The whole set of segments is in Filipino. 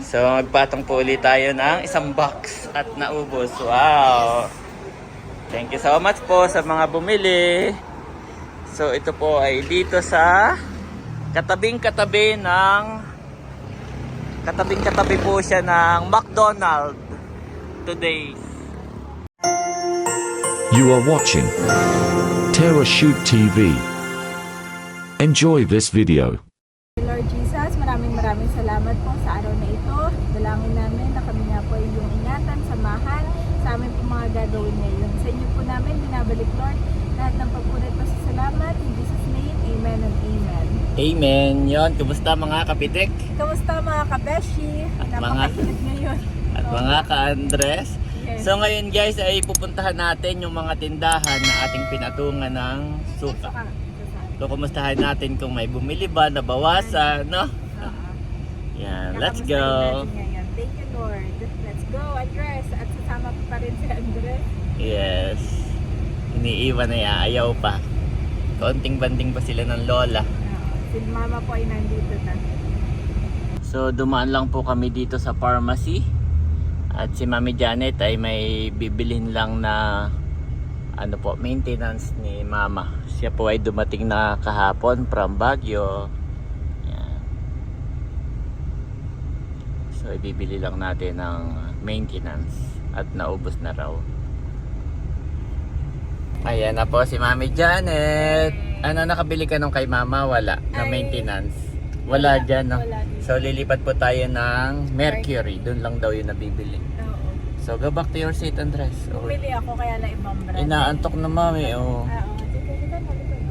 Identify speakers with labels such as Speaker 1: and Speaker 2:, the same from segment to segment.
Speaker 1: So magpatong po ulit tayo ng isang box at naubos. Wow! Thank you so much po sa mga bumili. So ito po ay dito sa katabing-katabi po siya ng McDonald's today.
Speaker 2: You are watching Terra Shoot TV. Enjoy this video.
Speaker 3: Lord Jesus, maraming salamat po sa araw na ito. Dalangin namin na kami nga po ay iyong ingatan, samahan sa amin po mga gagawin ngayon. Sa inyo po namin binabalik, Lord, lahat ng pagpunit pa sa salamat. In Jesus' name, amen and amen.
Speaker 1: Amen. Yon, kumusta mga kapitek?
Speaker 3: Kamusta mga kabeshi? Napakainit ngayon.
Speaker 1: At mga ka-Andres.
Speaker 3: Yes.
Speaker 1: So ngayon guys ay pupuntahan natin yung mga tindahan na ating pinatungan ng suka. So kumustahan natin kung may bumili ba, nabawasan, no? Yan, let's go.
Speaker 3: Thank you, Lord. Let's go, Andres. At sasama ko pa rin si Andres.
Speaker 1: Yes. Iniiwan na yan, ayaw pa. Kaunting banding pa sila ng lola.
Speaker 3: Si Mama po ay nandito na.
Speaker 1: So dumaan lang po kami dito sa pharmacy. At si Mami Janet ay may bibilhin lang na maintenance ni Mama. Siya po ay dumating na kahapon from Baguio. Yan. So ibibili lang natin ng maintenance at naubos na raw. Ayan na po si Mami Janet. Ano, nakabili ka nung kay Mama? Wala. Na maintenance. Wala dyan, no?
Speaker 3: Wala din.
Speaker 1: So lilipat po tayo ng Mercury. Doon lang daw yung nabibili.
Speaker 3: Oo.
Speaker 1: So go back to your seat, Andres.
Speaker 3: Bumili ako kaya na ibang brand.
Speaker 1: Inaantok na Mami, oh.
Speaker 3: Oo. Sige, halika na.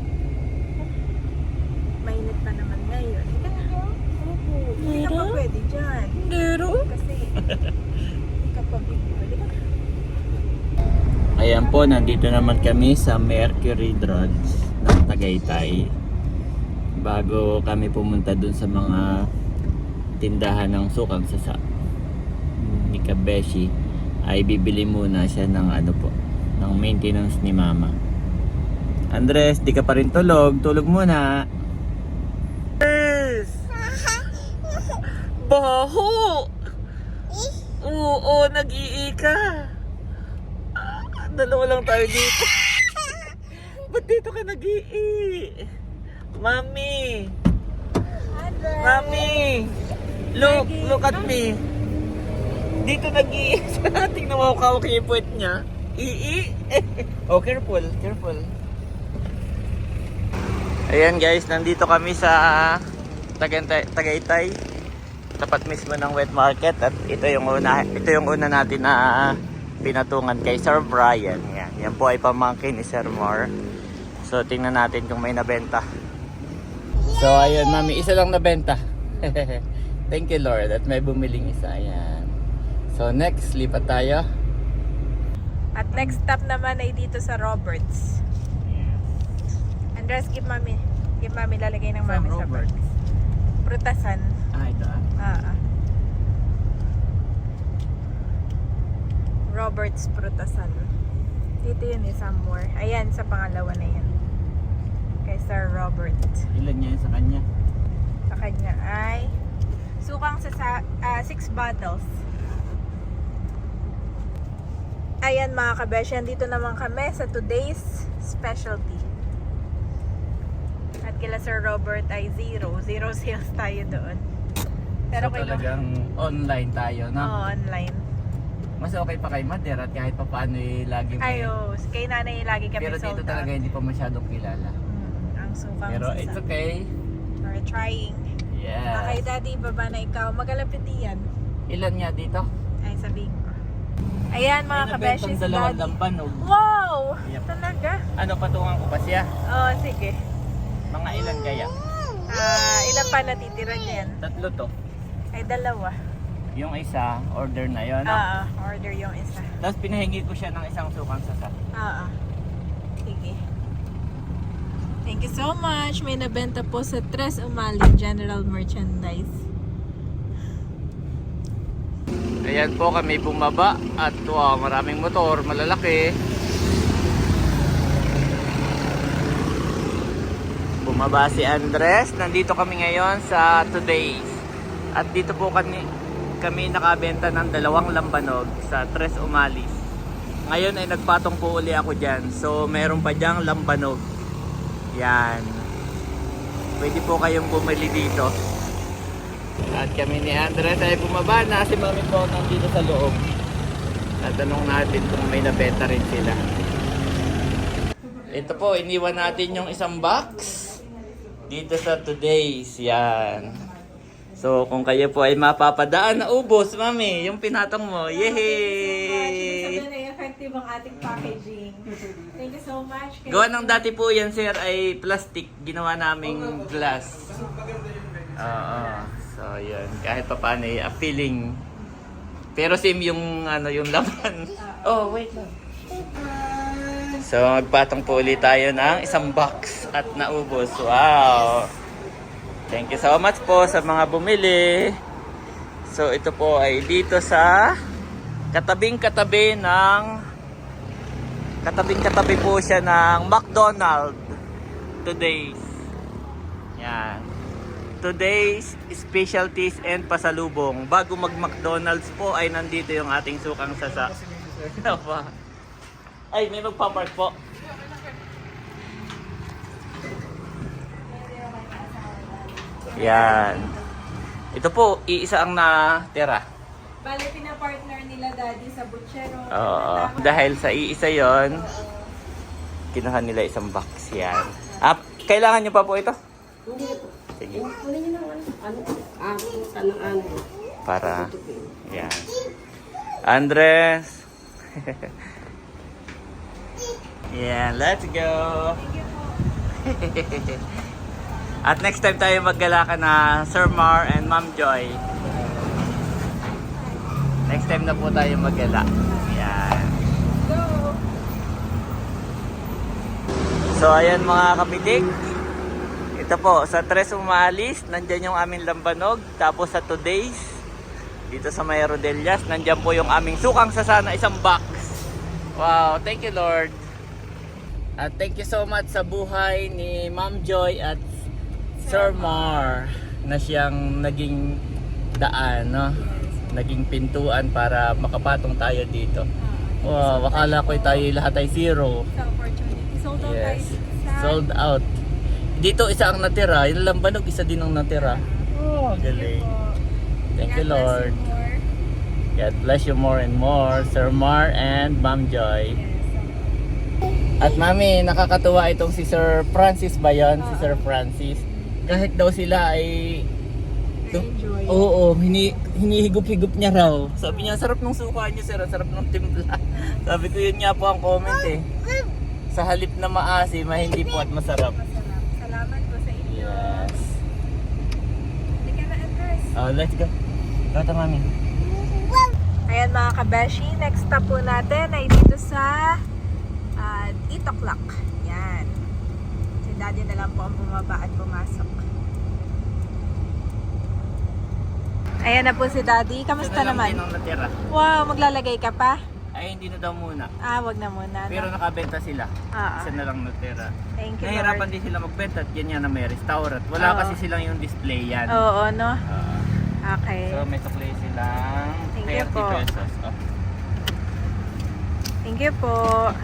Speaker 3: Mainit pa naman ngayon. Halika na. Opo. Hindi ka pa pwede dyan.
Speaker 1: Pero?
Speaker 3: Kasi hindi ka pa bigyan. Halika na.
Speaker 1: Ayan po, nandito naman kami sa Mercury Drugs ng Tagaytay. Bago kami pumunta dun sa mga tindahan ng sukang sasa ni Kabeshi, ay bibili muna siya ng ng maintenance ni Mama. Andres, di ka pa rin tulog. Tulog muna. Yes! Baho! Oo, nag-ii ka. Dalawa lang tayo dito. Ba't dito ka nag-ii? Mami!
Speaker 3: Andres!
Speaker 1: Mami! Look at me. Dito nag-ii. Tingnan mo kawak yung puwet niya. Ii! Oh, careful. Ayan guys, nandito kami sa Tagaytay. Tapat mismo ng wet market. At ito yung una natin na pinatungan kay Sir Brian. Yan po ay pamangkin ni Sir Mar. So tingnan natin kung may nabenta. So ayun Mami, isa lang nabenta. Thank you Lord at may bumiling isa. Ayan. So next, lipat tayo.
Speaker 3: At next stop naman ay dito sa Roberts. Andres, give Mami. Give Mami, lalagay ng Mami sa bag. Prutasan.
Speaker 1: Ito
Speaker 3: Roberts Prutasan. Dito yun somewhere. Ayan, sa pangalawa na yan. Kay Sir Robert.
Speaker 1: Ilan niya sa kanya?
Speaker 3: Sa kanya ay sukang sa 6 bottles. Ayan mga kabesyan, dito naman kami sa today's specialty. At kila Sir Robert ay zero sales tayo doon. Pero
Speaker 1: So talagang online tayo, no?
Speaker 3: Oo, online.
Speaker 1: Mas okay pa kay Mother at kahit pa paano lagi may...
Speaker 3: Ayo, kay nanay lagi kami
Speaker 1: Pero dito
Speaker 3: sold
Speaker 1: talaga
Speaker 3: out.
Speaker 1: hindi pa masyadong kilala.
Speaker 3: Ang sukang
Speaker 1: Pero it's okay.
Speaker 3: We're trying. Kay
Speaker 1: Yes.
Speaker 3: Daddy, baba na ikaw. Magalapit yan.
Speaker 1: Ilan nga dito?
Speaker 3: Ay, sabihin ko. Ayan mga kabeshi si
Speaker 1: dalawang
Speaker 3: Daddy.
Speaker 1: lampanog.
Speaker 3: Wow!
Speaker 1: Yep.
Speaker 3: Talaga?
Speaker 1: Ano, patungan ko pa siya?
Speaker 3: Oo, sige.
Speaker 1: Mga ilan kaya?
Speaker 3: Ilan pa natitira niyan?
Speaker 1: 3 to.
Speaker 3: Ay, 2.
Speaker 1: Yung isa, order na yun.
Speaker 3: Order yung isa.
Speaker 1: Tapos pinahingi ko siya ng isang sukang sasa.
Speaker 3: Sige. Thank you so much. May nabenta po sa Tres Umali General Merchandise.
Speaker 1: Ayan po kami bumaba at wow, maraming motor, malalaki. Bumaba si Andres. Nandito kami ngayon sa Today's. At dito po kami nakabenta ng 2 lambanog sa Tres Umalis. Ngayon ay nagpatong po uli ako dyan. So meron pa dyang lambanog. Yan. Pwede po kayong bumili dito. At kami ni Andres ay bumaba na. Si Mami po nandito sa loob. Tatanong natin kung may nabenta rin sila. Ito po, iniwan natin yung isang box dito sa Today's. Yan. So kung kayo po ay mapapadaan na ubos, Mami, yung pinatong mo. Yehey!
Speaker 3: Sabi na effective ang ating packaging. Thank you so much.
Speaker 1: Gawa ng dati po yan, sir, ay plastic. Ginawa naming glass. Oo. So yun, kahit pa paano ay appealing. Pero same yung ano, yung laman. Oh, wait lang. So magpatong po ulit tayo ng isang box at naubos. Wow! Thank you so much po sa mga bumili. So ito po ay dito sa katabing-katabi po siya ng McDonald's. Today's. Yan. Today's specialties and pasalubong. Bago mag-McDonald's po ay nandito yung ating sukang sasa. Ay, may magpapark po. Yan. Ito po, iisa ang natira.
Speaker 3: Bale, pinapartner nila daddy sa butchero.
Speaker 1: Oo. Dahil sa iisa yon, kinuha nila isang box yan. Kailangan nyo pa po ito? Sige.
Speaker 4: Kunin niyo ng ano.
Speaker 1: Para, yan. Andres. Yeah, let's go. At next time tayo maggala ka na Sir Mar and Ma'am Joy. Next time na po tayo maggala. Yan.
Speaker 3: Go!
Speaker 1: So ayan mga kapitik. Ito po, sa Tres Umalis, nandyan yung aming lambanog. Tapos sa Today's, dito sa May Rodelias, nandyan po yung aming sukang sasana, isang box. Wow, thank you Lord. At thank you so much sa buhay ni Ma'am Joy at Sir Mar na siyang naging daan, no? Naging pintuan para makapatong tayo dito. Wow, akala ko tayo lahat ay zero.
Speaker 3: Sa opportunity. Sold out tayo
Speaker 1: Yes,
Speaker 3: sa...
Speaker 1: sold out. Dito isa ang natira, yung lambanog isa din ang natira. Oh, galing. Thank you Lord. God bless you more and more, Sir Mar and Ma'am Joy. At Mami, nakakatuwa itong si Sir Francis ba yun? Si Sir Francis. Kahit daw sila ay...
Speaker 3: Na-enjoy.
Speaker 1: Oo, hinihigup-higup niya raw. Sabi niya, sarap ng suka niyo sir, sarap ng timpla. Sabi ko yun nga po ang comment eh. Sa halip na maasim, hindi po at masarap.
Speaker 3: Salamat po sa inyo.
Speaker 1: Yes.
Speaker 3: Hindi ka na address.
Speaker 1: Let's go. Kata Mami.
Speaker 3: Ayan mga kabeshi, next stop po natin ay dito sa 8 o'clock. Yan. Si daddy na lang po ang bumaba at pumasok. Ayan na po si daddy. Kamusta naman?
Speaker 1: Ito na lang din ang natira.
Speaker 3: Wow, maglalagay ka pa?
Speaker 1: Ay, hindi na daw muna.
Speaker 3: Wag na muna.
Speaker 1: Pero nakabenta sila. Isa na lang natira.
Speaker 3: Thank you,
Speaker 1: Nahirapan
Speaker 3: Lord.
Speaker 1: din sila magbenta at ganyan na may restaurant. Wala
Speaker 3: Oo.
Speaker 1: kasi silang yung display yan.
Speaker 3: Oo, no? Okay.
Speaker 1: So may supply silang
Speaker 3: Thank you
Speaker 1: 30
Speaker 3: po.
Speaker 1: pesos. Oh.
Speaker 3: Thank you po.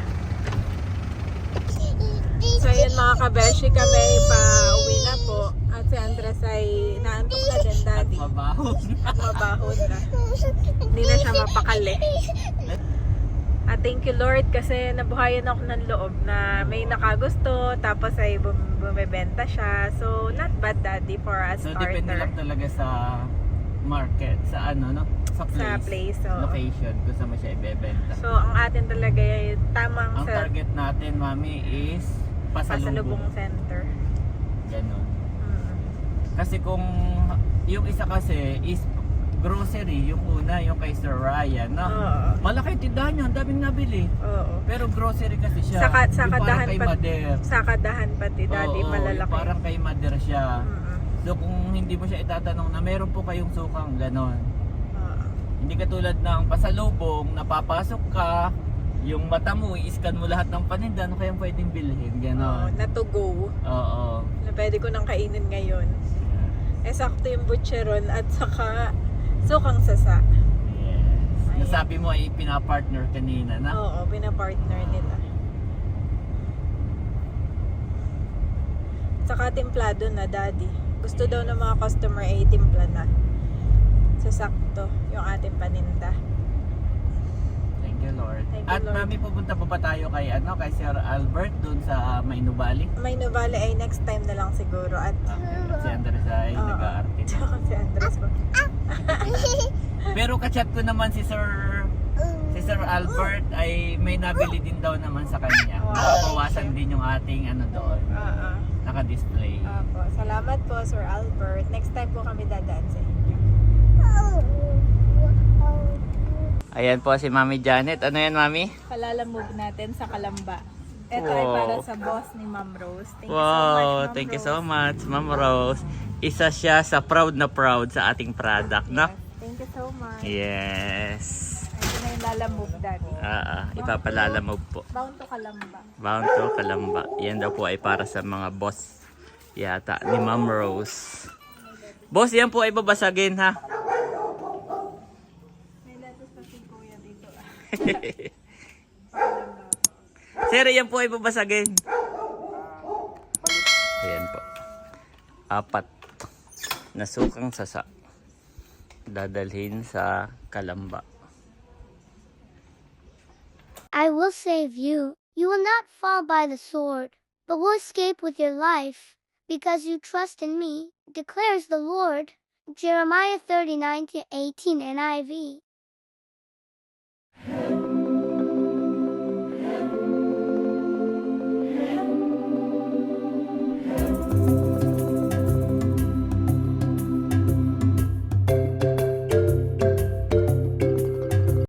Speaker 3: So yun mga kabeshi, kami pa uwi na po. At si Andres ay naantok na din daddy.
Speaker 1: Mabaho.
Speaker 3: At mabahon na. Hindi na siya mapakali. At thank you Lord kasi nabuhayan ako ng loob na may nakagusto tapos ay bumibenta siya. So not bad daddy for a
Speaker 1: So depende
Speaker 3: starter.
Speaker 1: lang talaga sa market, sa ano, no? Sa place.
Speaker 3: Sa place, oo.
Speaker 1: Location, kung saan mo siya ibebenta.
Speaker 3: So ang atin talaga ay tamang
Speaker 1: Ang
Speaker 3: sa
Speaker 1: target natin, Mami, is
Speaker 3: pasalubong
Speaker 1: pasalubong.
Speaker 3: center.
Speaker 1: Ganon.
Speaker 3: Mm.
Speaker 1: Kasi kung yung isa kasi is grocery, yung una, yung kay Sir Ryan, no?
Speaker 3: Oo.
Speaker 1: Malaki tindahan niya, ang daming nabili.
Speaker 3: Oo.
Speaker 1: Pero grocery kasi siya.
Speaker 3: Sa
Speaker 1: Yung parang
Speaker 3: kadahan
Speaker 1: kay
Speaker 3: pa,
Speaker 1: Mader.
Speaker 3: sa kadahan pati daddy
Speaker 1: Oo,
Speaker 3: malalaki.
Speaker 1: yung parang kay Mader siya.
Speaker 3: Mm-mm.
Speaker 1: So kung hindi mo siya itatanong na meron po kayong sukang ganon.
Speaker 3: Oo.
Speaker 1: Hindi katulad ng pasalubong, napapasok ka, yung mata mo, i-scan mo lahat ng paninda, ano kayang pwedeng bilhin,
Speaker 3: Oo,
Speaker 1: ganon.
Speaker 3: na to go.
Speaker 1: Oo.
Speaker 3: Na pwede ko nang kainin ngayon. Eh sakto yung butcheron at saka Sukang Sasa.
Speaker 1: Yes.
Speaker 3: Ayan.
Speaker 1: Nasabi mo ay pinapartner kanina na.
Speaker 3: Oo, pinapartner nila. Saka templado na, daddy. Gusto daw ng mga customer ay timpla na. Sasakto yung ating paninda.
Speaker 1: Thank you, Lord.
Speaker 3: Thank you,
Speaker 1: At
Speaker 3: Lord.
Speaker 1: mami, pupunta pa ba tayo kay kay Sir Albert doon sa Mainubali?
Speaker 3: May Novale ay next time na lang siguro. At
Speaker 1: At si Andres ay
Speaker 3: Oo.
Speaker 1: nag-aarte na.
Speaker 3: tsaka si Andres po.
Speaker 1: Pero kachat ko naman si Sir Albert ay may nabili din daw naman sa kanya.
Speaker 3: Wow.
Speaker 1: Bawasan din yung ating doon.
Speaker 3: Oo.
Speaker 1: Naka-display.
Speaker 3: Opo. Salamat po, Sir Albert. Next time po kami dadaan sa inyo.
Speaker 1: Ayan po si Mami Janet. Ano yan, Mami?
Speaker 3: Palalamove natin sa Kalamba. Ito ay
Speaker 1: Wow.
Speaker 3: para sa boss ni Ma'am Rose. Thank you so much,
Speaker 1: Wow,
Speaker 3: Ma'am
Speaker 1: thank you
Speaker 3: Rose.
Speaker 1: so much, Ma'am Rose. Isa siya sa proud na proud sa ating product, no?
Speaker 3: Yes. Thank you so much.
Speaker 1: Yes.
Speaker 3: Ito na yung lalamove, daddy.
Speaker 1: Ipapalalamove po.
Speaker 3: Bound to Kalamba.
Speaker 1: Bound to Kalamba. Yan daw po ay para sa mga boss yata ni Ma'am Rose. Boss, yan po ay babasagin, ha?
Speaker 3: May lettuce pa si Kuya dito.
Speaker 1: Sir, yan po ay babasagin. Ayan po. 4 na sukang sasa. Dadalhin sa Kalamba.
Speaker 5: I will save you. You will not fall by the sword, but will escape with your life, because you trust in me, declares the Lord. Jeremiah 39:18 NIV.